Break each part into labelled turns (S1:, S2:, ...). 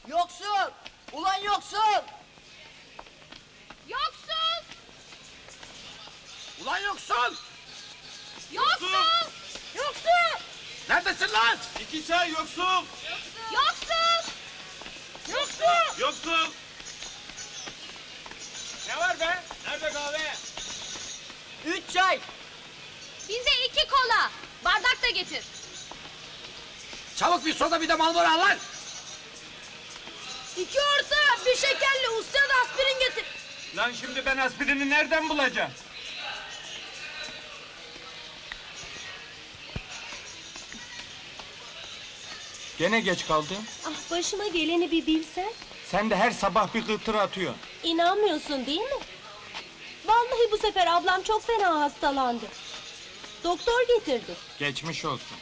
S1: Yoksul! Ulan yoksul!
S2: Yoksul!
S3: Ulan yoksul!
S2: Yoksul! Yoksul!
S3: Neredesin lan?
S4: İki çay yoksul!
S2: Yoksul! Yoksul!
S4: Yoksul! Ne var be? Nerede kahve?
S1: 3 çay!
S2: Bize 2 kola! Bardak da getir!
S3: Çabuk bir soda bir de Marlboro al lan!
S1: 2 orta, bir şekerli, usta da aspirin getir!
S4: Lan şimdi ben aspirini nereden bulacağım? Gene geç kaldın.
S5: Ah, başıma geleni bir bilsen.
S4: Sen de her sabah bir kıtır atıyorsun.
S5: İnanmıyorsun değil mi? Vallahi bu sefer ablam çok fena hastalandı. Doktor getirdi.
S4: Geçmiş olsun.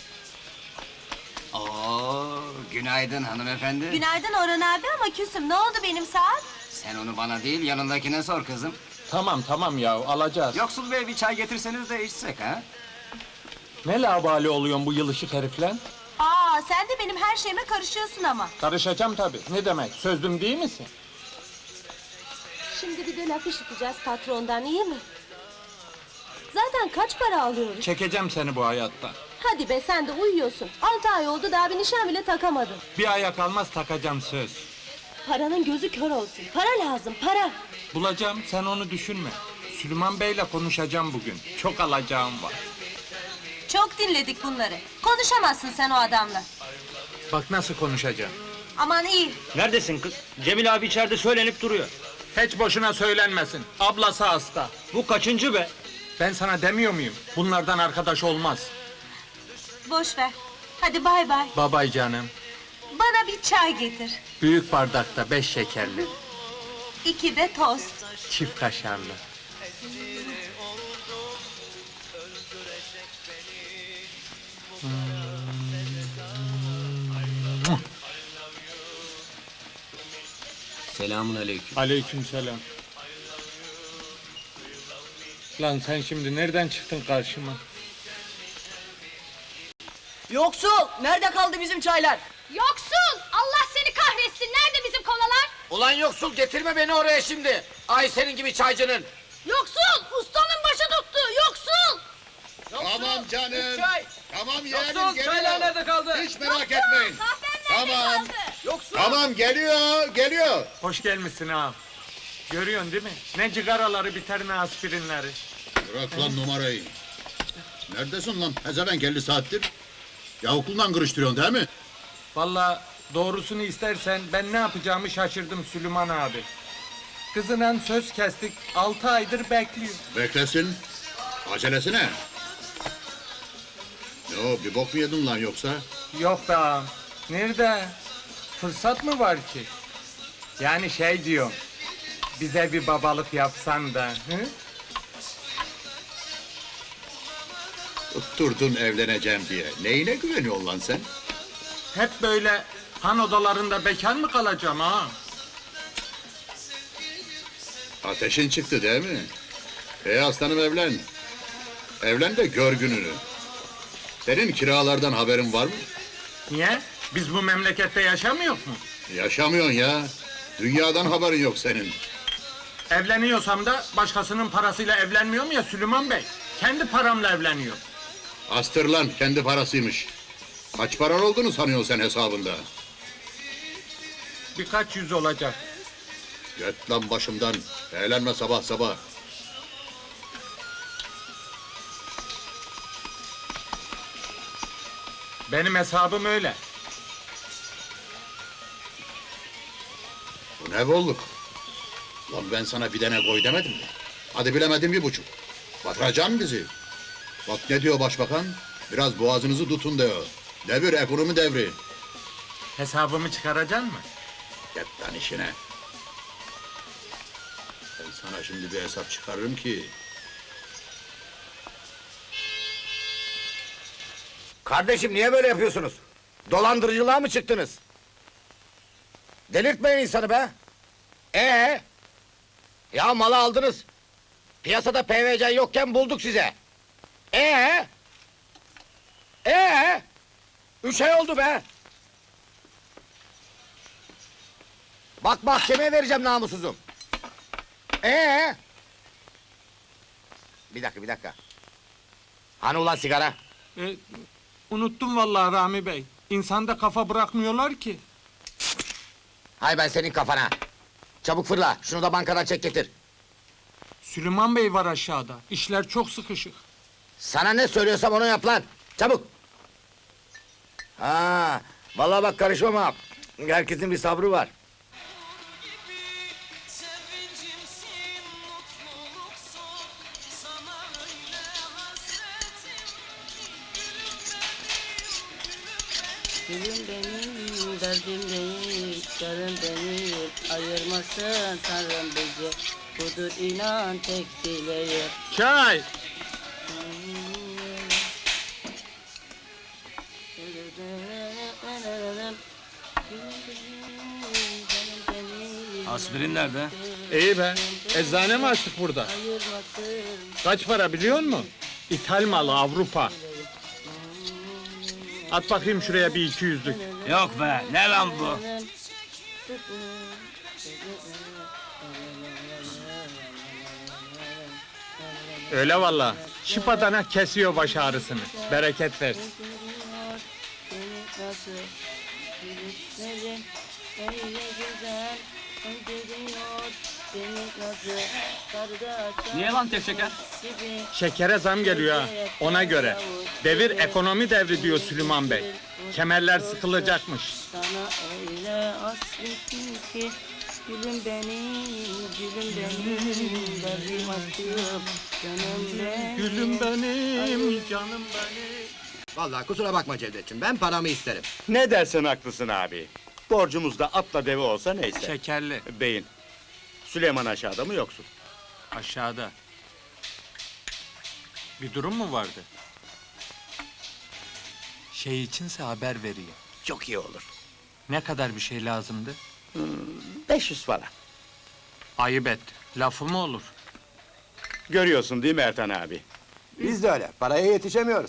S6: Oo, günaydın hanımefendi.
S5: Günaydın Orhan abi ama küsüm. Ne oldu benim saat?
S6: Sen onu bana değil, yanındakine sor kızım.
S4: Tamam ya alacağız.
S6: Yoksul bey bir çay getirseniz de içsek ha?
S4: Ne labali oluyorsun bu yılışık herifle?
S5: Aa, sen de benim her şeyime karışıyorsun ama.
S4: Karışacağım tabii. Ne demek? Sözlüm değil misin?
S5: Şimdi bir de laf işiteceğiz patrondan, iyi mi? Zaten kaç para alıyoruz?
S4: Çekeceğim seni bu hayattan.
S5: Hadi be, sen de uyuyorsun. 6 ay oldu, daha bir nişan bile takamadın.
S4: Bir aya kalmaz takacağım söz.
S5: Paranın gözü kör olsun. Para lazım, para.
S4: Bulacağım, sen onu düşünme. Süleyman Bey'le konuşacağım bugün. Çok alacağım var.
S5: Çok dinledik bunları. Konuşamazsın sen o adamla.
S4: Bak nasıl konuşacağım.
S5: Aman iyi.
S7: Neredesin kız? Cemil abi içeride söylenip duruyor.
S4: Hiç boşuna söylenmesin. Ablası hasta.
S7: Bu kaçıncı be?
S4: Ben sana demiyor muyum? Bunlardan arkadaş olmaz.
S5: Boş ver. Hadi bay bay.
S4: Babay canım.
S5: Bana bir çay getir.
S4: Büyük bardakta 5 şekerli.
S5: 2 de tost.
S4: Çift kaşarlı.
S6: Selamun aleyküm.
S4: Aleykümselam. Lan sen şimdi nereden çıktın karşıma?
S1: Yoksul! Nerede kaldı bizim çaylar?
S2: Yoksul! Allah seni kahretsin! Nerede bizim kolalar?
S3: Ulan yoksul getirme beni oraya şimdi! Ay senin gibi çaycının!
S2: Yoksul! Ustanın başı tuttu! Yoksul!
S8: Tamam canım.
S3: Üç çay!
S8: Tamam yeğenim
S3: Yoksul
S8: geliyor.
S3: çaylar nerede kaldı?
S8: Hiç merak etmeyin.
S2: Kahven nerede
S8: Tamam.
S2: kaldı?
S3: Yoksul!
S8: Tamam geliyor.
S4: Hoş gelmişsin ağam. Görüyorsun değil mi? Ne cigaraları biter ne aspirinleri.
S8: Bırak lan numarayı. Neredesin lan? Pezevenk 50 saattir. Ya okuldan kırıştırıyorsun değil mi?
S4: Vallahi doğrusunu istersen ben ne yapacağımı şaşırdım Süleyman abi. Kızına söz kestik, 6 aydır bekliyor.
S8: Beklesin. Acelesi ne? Yo bir bok mu yedin lan yoksa?
S4: Yok be ağam. Nerede? Fırsat mı var ki? Yani şey diyorum. Bize bir babalık yapsan da. Hı?
S8: Tutturdun evleneceğim diye. Neyine güveniyorsun lan sen?
S4: Hep böyle han odalarında bekar mı kalacağım ha?
S8: Ateşin çıktı değil mi? Aslanım evlen. Evlen de gör gününü. Senin kiralardan haberin var mı?
S4: Niye? Biz bu memlekette yaşamıyor mu?
S8: Yaşamıyorsun ya. Dünyadan haberin yok senin.
S4: Evleniyorsam da başkasının parasıyla evlenmiyorum ya Süleyman Bey. Kendi paramla evleniyor.
S8: Astır lan, kendi parasıymış. Kaç paran olduğunu sanıyorsun sen hesabında?
S4: Birkaç yüz olacak.
S8: Git lan başımdan. Eğlenme sabah sabah.
S4: Benim hesabım öyle.
S8: Bu ne bolluk? Lan ben sana bir tane koy demedim mi? Hadi bilemedim 1,5. Batıracaksın bizi. Bak ne diyor başbakan? Biraz boğazınızı tutun diyor. Devir ekonomi devri.
S4: Hesabımı çıkaracaksın mı?
S8: Git lan işine. Ben sana şimdi bir hesap çıkarırım ki...
S3: Kardeşim niye böyle yapıyorsunuz? Dolandırıcılığa mı çıktınız? Delirtmeyin insanı be! Ya malı aldınız. Piyasada PVC yokken bulduk size. 3 ay oldu be! Bak mahkemeye vereceğim namussuzum. Bir dakika. Hani ulan sigara?
S4: Unuttum vallahi Rami Bey. İnsanda kafa bırakmıyorlar ki.
S3: Hay ben senin kafana. Çabuk fırla, şunu da bankadan çek getir.
S4: Süleyman Bey var aşağıda. İşler çok sıkışık.
S3: Sana ne söylüyorsam onu yap lan. Çabuk. Ha, vallahi bak karışmam ha. Herkesin bir sabrı var.
S1: Gülüm benim, derdim değil, yarın beni ayırmasın Tanrım bizi. Budur inan tek dileğim.
S4: Çay!
S6: Aspirin nerede?
S4: İyi be. Eczane mi açtık burada? Kaç para biliyor musun? İthal malı Avrupa. At bakayım şuraya bir 200'lük.
S6: Yok be, ne lan bu?
S4: Öyle valla. Şıpadana kesiyor baş ağrısını. Bereket versin.
S6: Niye lan tek şeker?
S4: Şekere zam geliyor ha. Ona göre. Devir ekonomi devri diyor Süleyman Bey. Kemerler sıkılacakmış.
S1: Sana öyle hasretim ki gülüm benim, derdim aşkım, canım benim.
S4: Gülüm benim, canım benim.
S3: Vallahi kusura bakma Cevdetciğim, ben paramı isterim.
S9: Ne dersen haklısın abi. Borcumuz da atla deve olsa neyse.
S4: Şekerli.
S9: Beyin. Süleyman aşağıda mı yoksun?
S4: Aşağıda. Bir durum mu vardı? Şey içinse haber vereyim.
S9: Çok iyi olur.
S4: Ne kadar bir şey lazımdı?
S9: 500 falan.
S4: Ayıp et. Lafı mı olur?
S9: Görüyorsun değil mi Ertan abi?
S3: Biz de öyle, paraya yetişemiyoruz.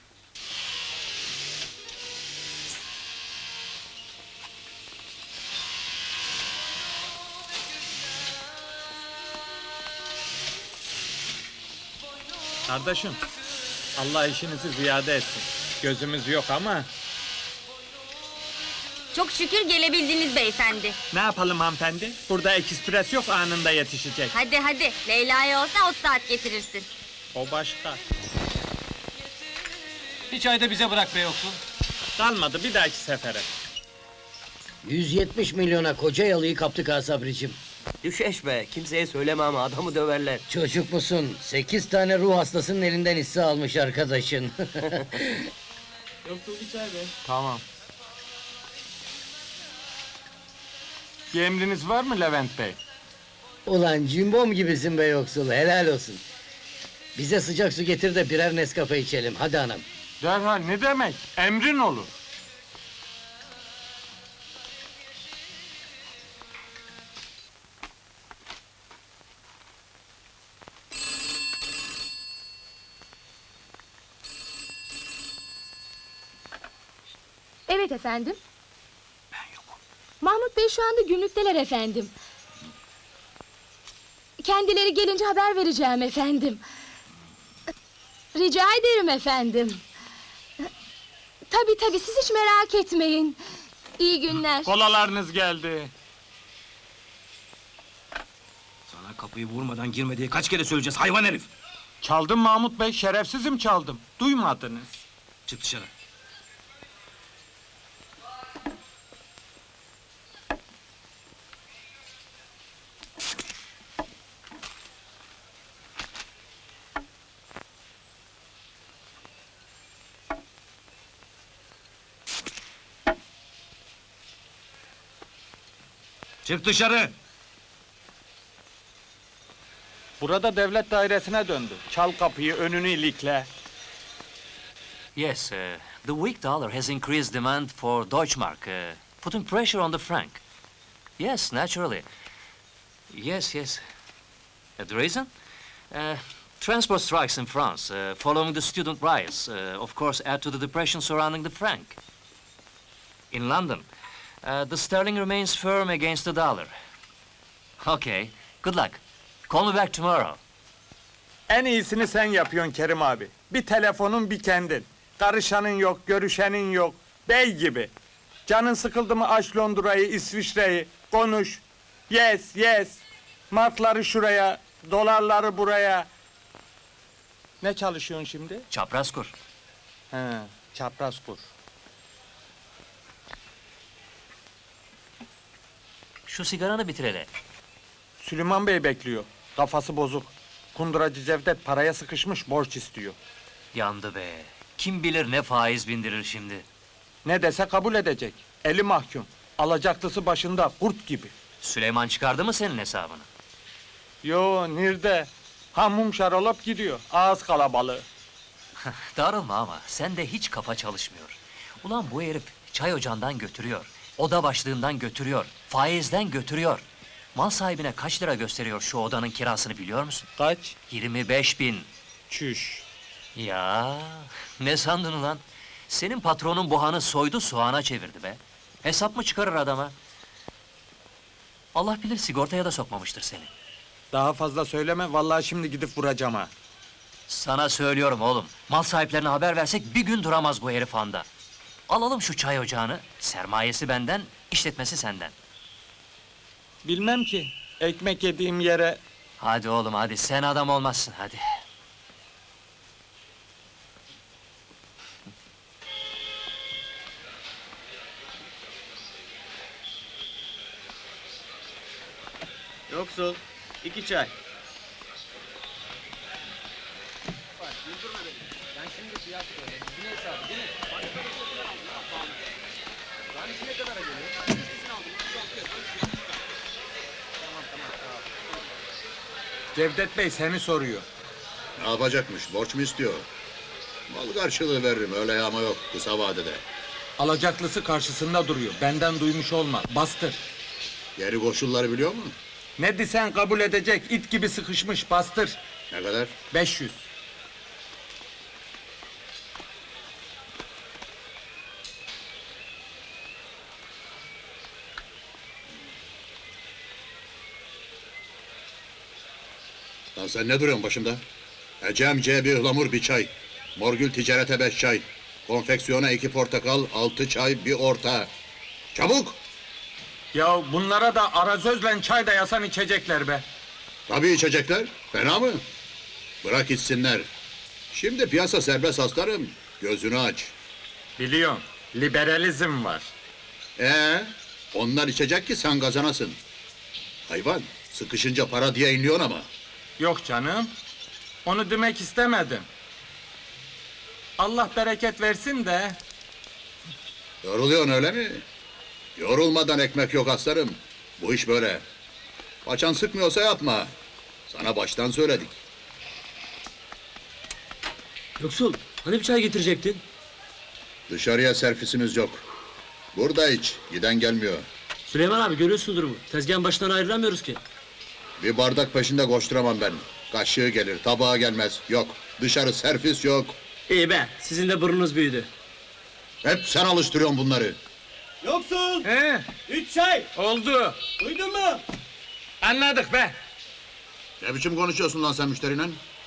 S4: Kardeşim, Allah işinizi ziyade etsin. Gözümüz yok ama
S2: Çok şükür gelebildiniz beyefendi.
S4: ne yapalım hanımefendi? Burada ekspres yok, anında yetişecek.
S2: Hadi, Leyla'ya olsa 30 saat getirirsin.
S4: O başka.
S7: Bir çay da bize bırak be yoksul.
S4: Kalmadı, bir dahaki sefere.
S1: 170 milyona koca yalıyı kaptık ha Sabricim.
S10: Düşeş be, kimseye söyleme ama adamı döverler.
S1: Çocuk musun? 8 tane ruh hastasının elinden hisse almış arkadaşın.
S4: Tamam. Bir emriniz var mı Levent Bey?
S1: Ulan cimbom gibisin be yoksul, helal olsun. Bize sıcak su getir de birer Nescafe içelim, hadi anam.
S4: Derhal, ne demek? Emrin olur.
S2: Evet efendim. Ben yokum. Mahmut Bey şu anda günlükteler efendim. Kendileri gelince haber vereceğim efendim. Rica ederim efendim. Tabii siz hiç merak etmeyin. İyi günler.
S4: Kolalarınız geldi.
S7: Sana kapıyı vurmadan girme diye kaç kere söyleyeceğiz hayvan herif.
S4: Çaldım Mahmut Bey, şerefsizim çaldım. Duymadınız.
S7: Çık dışarı. Çık dışarı!
S4: Burada devlet dairesine döndü. Çal kapıyı, önünü ilikle.
S11: Yes, the weak dollar has increased demand for Deutschmark, putting pressure on the franc. Yes, naturally. Yes. The reason? Transport strikes in France, following the student riots, of course, add to the depression surrounding the franc. In London, The sterling remains firm against the dollar. Okay, good luck. Call me back tomorrow.
S4: En iyisini sen yapıyorsun Kerim abi. Bir telefonun bir kendin. Karışanın yok, görüşenin yok. Bey gibi. Canın sıkıldı mı aç Londra'yı, İsviçre'yi. Konuş. Yes, yes. Markları şuraya, dolarları buraya. Ne çalışıyorsun şimdi?
S11: Çapraz kur.
S4: He, çapraz kur.
S11: Şu sigaranı bitir hele.
S4: Süleyman Bey bekliyor. Kafası bozuk. Kunduracı Cevdet paraya sıkışmış, borç istiyor.
S11: Yandı be. Kim bilir ne faiz bindirir şimdi.
S4: Ne dese kabul edecek. Eli mahkum. Alacaklısı başında, kurt gibi.
S11: Süleyman çıkardı mı senin hesabını?
S4: Yo, nerede? Hamum şarolap gidiyor. Ağız kalabalığı.
S11: Darılma ama sende hiç kafa çalışmıyor. Ulan bu herif çay ocağından götürüyor. Oda başlığından götürüyor. Faizden götürüyor. Mal sahibine kaç lira gösteriyor şu odanın kirasını biliyor musun?
S4: Kaç?
S11: 25.000.
S4: Çüş.
S11: Ya ne sandın ulan? Senin patronun buhanı soydu soğana çevirdi be. Hesap mı çıkarır adama? Allah bilir sigortaya da sokmamıştır seni.
S4: Daha fazla söyleme, vallahi şimdi gidip vuracağım ha.
S11: Sana söylüyorum oğlum. Mal sahiplerine haber versek bir gün duramaz bu herif anda. Alalım şu çay ocağını. Sermayesi benden, işletmesi senden.
S4: Bilmem ki, ekmek yediğim yere...
S11: Hadi oğlum hadi, sen adam olmazsın hadi.
S6: Yoksul. 2 çay.
S4: Cevdet Bey seni soruyor.
S8: Ne yapacakmış? Borç mu istiyor? Mal karşılığı veririm, öyle yağma yok kısa vadede.
S4: Alacaklısı karşısında duruyor. Benden duymuş olma. Bastır.
S8: Geri koşulları biliyor mu?
S4: Ne desen kabul edecek. İt gibi sıkışmış. Bastır.
S8: Ne kadar?
S4: 500.
S8: Lan sen ne duruyorsun başımda? Ecem C bir ıhlamur bir çay. Morgül ticarete 5 çay. Konfeksiyona 2 portakal, 6 çay, bir orta. Çabuk!
S4: Ya bunlara da arazözle çay da yasan içecekler be.
S8: Tabii içecekler. Fena mı? Bırak içsinler. Şimdi piyasa serbest aslanım. Gözünü aç.
S4: Biliyorum. Liberalizm var.
S8: Onlar içecek ki sen kazanasın. Hayvan, sıkışınca para diye inliyorsun ama.
S4: Yok canım. Onu demek istemedim. Allah bereket versin de.
S8: Yoruluyorsun öyle mi? Yorulmadan ekmek yok aslanım. Bu iş böyle. Paçan sıkmıyorsa yapma. Sana baştan söyledik.
S10: Yoksul, hani bir çay getirecektin?
S8: Dışarıya servisimiz yok. Burada iç, giden gelmiyor.
S10: Süleyman abi görüyorsun durumu. Tezgahın başından ayrılamıyoruz ki.
S8: Bir bardak peşinde koşturamam ben. Kaşığı gelir, tabağa gelmez. Yok, dışarı servis yok.
S10: İyi be, sizin de burnunuz büyüdü.
S8: Hep sen alıştırıyorsun bunları.
S6: Yoksul.
S4: He,
S6: 3 çay.
S4: oldu.
S6: Duydun mu?
S4: Anladık be.
S8: Ne biçim konuşuyorsun lan sen müşteriyle?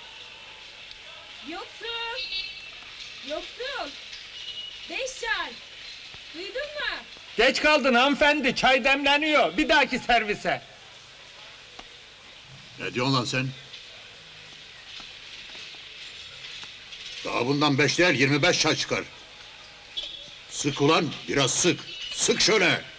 S2: Yoksul! Yoksul! 5 çay! Duydun mu?
S4: Geç kaldın hanımefendi. Çay demleniyor. Bir dahaki servise.
S8: Ne diyorsun lan sen? Daha bundan 5 değil 25 çay çıkar. Sık ulan, biraz sık. Sık şöyle.